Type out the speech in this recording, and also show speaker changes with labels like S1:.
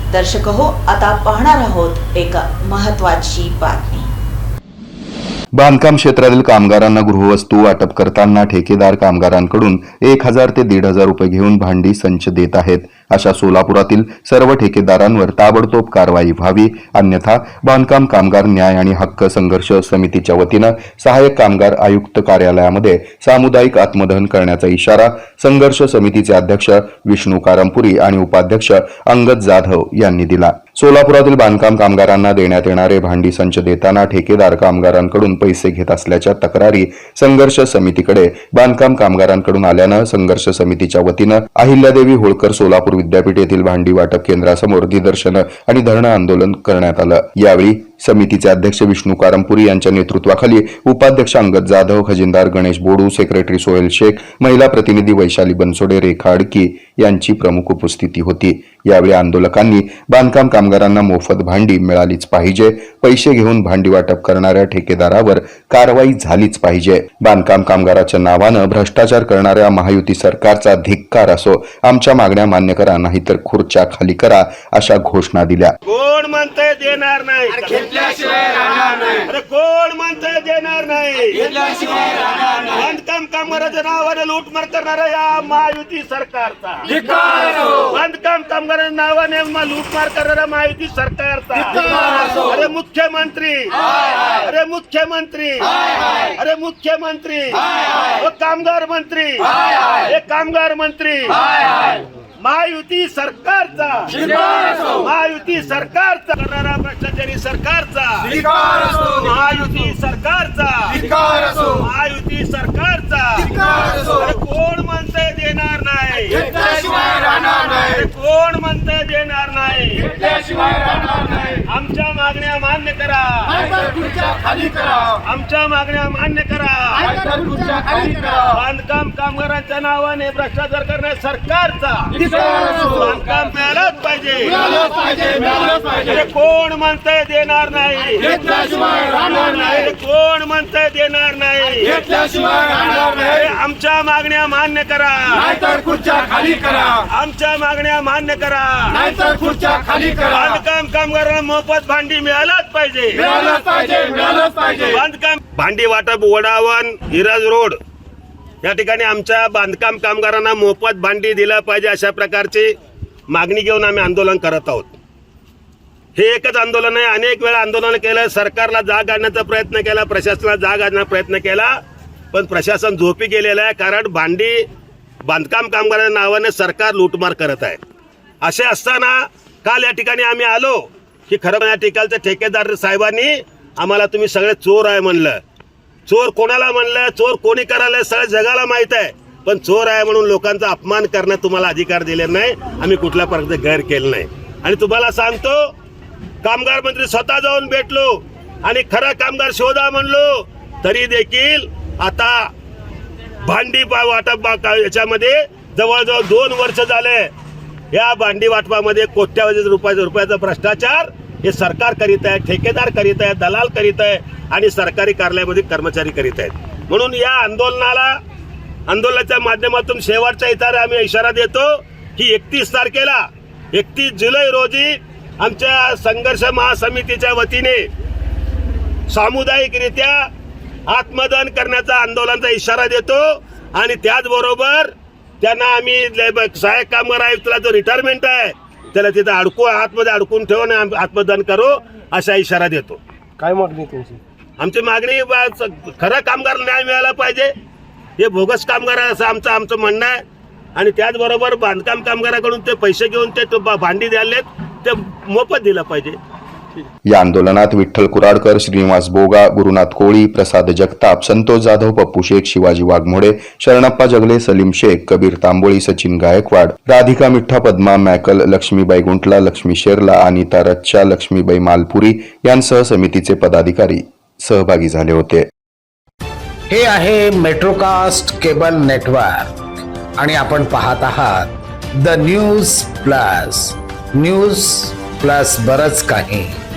S1: दर्शक हो, आता पाहणार आहोत एक महत्त्वाची बातमी।
S2: बांधकाम क्षेत्रातील कामगारांना गृहवस्तू वाटप करताना ठेकेदार कामगारांकडून 1000 ते 1500 रुपये घेऊन भांडी संच देत आहेत। अशा सोलापुरातील सर्व ठेकेदारांवर ताबडतोब कारवाई व्हावी, अन्यथा बांधकाम कामगार न्याय आणि हक्क संघर्ष समितीच्या वतीनं सहाय्यक कामगार आयुक्त कार्यालयामध्ये सामुदायिक आत्मदहन करण्याचा इशारा संघर्ष समितीचे अध्यक्ष विष्णू कारंपुरी आणि उपाध्यक्ष अंगद जाधव यांनी दिला। सोलापुरातील बांधकाम कामगारांना देण्यात येणारे भांडी संच देताना ठेकेदार कामगारांकडून पैसे घेत असल्याच्या तक्रारी संघर्ष समितीकडे बांधकाम कामगारांकडून आल्यानं संघर्ष समितीच्या वतीनं अहिल्यादेवी होळकर सोलापूर विद्यापीठ येथील भांडी वाटप केंद्रासमोर निदर्शनं आणि धरणं आंदोलन करण्यात आलं। यावेळी समितीचे अध्यक्ष विष्णू कारंपुरी यांच्या नेतृत्वाखाली उपाध्यक्ष अंगद जाधव, खजिनदार गणेश बोडू, सेक्रेटरी सोहेल शेख, महिला प्रतिनिधी वैशाली बनसोडे, रेखा अडकी यांची प्रमुख उपस्थिती होती। यावेळी आंदोलकांनी बांधकाम कामगारांना मोफत भांडी मिळालीच पाहिजे, पैसे घेऊन भांडी वाटप करणाऱ्या ठेकेदारावर कारवाई झालीच पाहिजे, बांधकाम कामगाराच्या नावानं भ्रष्टाचार करणाऱ्या महायुती सरकारचा धिक्कार असो, आमच्या मागण्या मान्य करा, नाहीतर खुर्च्या खाली करा, अशा घोषणा दिल्या।
S3: कोण म्हणतंय देणार नाही, अरे कोण म्हणतंय देणार नाही, बांधकाम कामगाराच्या नावाने लूटमार करणाऱ्या या महायुती सरकारचा, बांधकाम कामगारांच्या नावाने लूटमार करणाऱ्या महायुती सरकारचा, अरे मुख्यमंत्री, अरे मुख्यमंत्री, अरे मुख्यमंत्री, कामगार मंत्री, हे कामगार मंत्री, महायुती सरकारचा, महायुती सरकारचा करणारा भ्रष्टाचारी सरकारचा, महायुती सरकारचा, महायुती सरकारचा, कोण म्हणतंय देणार नाही, कोण म्हणतंय देणार नाही, आमच्या मागण्या मान्य करा, आमच्या मागण्या मान्य करा, बांधकाम कामगारांच्या नावाने भ्रष्टाचार करणाऱ्या सरकारचा बांधकाम मिळालंच पाहिजे, कोण म्हणतंय देणार नाही, कोण म्हणतंय देणार नाही, आमच्या मागण्या मान्य करा, आमच्या मागण्या मान्य करा, बांधकाम कामगारांना मोफत भांडी मिळालंच पाहिजे, बांधकाम भांडी वाटप वडावन हिराज रोड या ठिकाणी आमच्या बांधकाम कामगारांना मोफत भांडी दिलं पाहिजे, अशा प्रकारची मागणी घेऊन आम्ही आंदोलन करत आहोत। हे एकच आंदोलन आहे, अनेक वेळा आंदोलन केलं, सरकारला जाग आणण्याचा प्रयत्न केला, प्रशासनाला जाग आणण्याचा प्रयत्न केला, पण प्रशासन झोपी गेलेलं आहे, कारण भांडी बांधकाम कामगारांच्या नावाने सरकार लूटमार करत आहे। असे असताना काल या ठिकाणी आम्ही आलो की खरं या ठिकाणच्या ठेकेदार साहेबांनी आम्हाला तुम्ही सगळे चोर आहे म्हणलं। चोर कोणाला म्हणलं, चोर कोणी करायला सगळ्या जगाला माहित आहे, पण चोर आहे म्हणून लोकांचा अपमान करण्यात तुम्हाला अधिकार दिले नाही, आम्ही कुठल्या प्रकारचे गैर केलं नाही। आणि तुम्हाला सांगतो, कामगार मंत्री स्वतः जाऊन भेटलो आणि खरा कामगार शोधा म्हणलो, तरी देखील आता भांडी वाटप याच्यामध्ये जवळजवळ 2 वर्ष झाले, या भांडी वाटपामध्ये कोट्यावधी रुपयाचा भ्रष्टाचार हे सरकार करीत आहे, ठेकेदार करीत आहे, दलाल करीत आहे आणि सरकारी कार्यालयामध्ये कर्मचारी करीत आहेत। म्हणून या आंदोलनाच्या माध्यमातून शेवटचा इशारा देतो की 31 जुलै रोजी आमच्या संघर्ष महासमितीच्या वतीने सामुदायिकरित्या आत्मदहन करण्याचा आंदोलनाचा इशारा देतो आणि त्याचबरोबर त्यांना आम्ही सहाय्यक कामगार आयुक्ताला जो रिटायरमेंट आहे त्याला तिथं आतमध्ये अडकून ठेवून आत्मदहन करू असा इशारा देतो।
S4: काय मागणी तुमची?
S3: आमची मागणी खरं कामगार न्याय मिळाला पाहिजे, हे बोगस कामगार असं आमचं म्हणणं आहे। आणि त्याचबरोबर बांधकाम कामगाराकडून ते पैसे घेऊन ते भांडी द्यायलेत ते मोफत दिलं पाहिजे।
S2: या आंदोलनात विठ्ठल कुराडकर, श्रीनिवास बोगा, गुरुनाथ कोळी, प्रसाद जगताप, संतोष जाधव, पप्पू शेख, शिवाजी वाघमोडे, शरणप्पा जगले, सलीम शेख, कबीर तांबोळी, सचिन गायकवाड, राधिका मिठ्ठा, पद्मा मॅकल, लक्ष्मीबाई गुंटला, लक्ष्मी शेरला, अनिता रच्चा, लक्ष्मीबाई मालपुरी यांसह समितीचे पदाधिकारी सहभागी झाले होते।
S5: हे आहे मेट्रोकास्ट केबल नेटवर्क आणि आपण पाहत आहात द न्यूज प्लस बरच काही।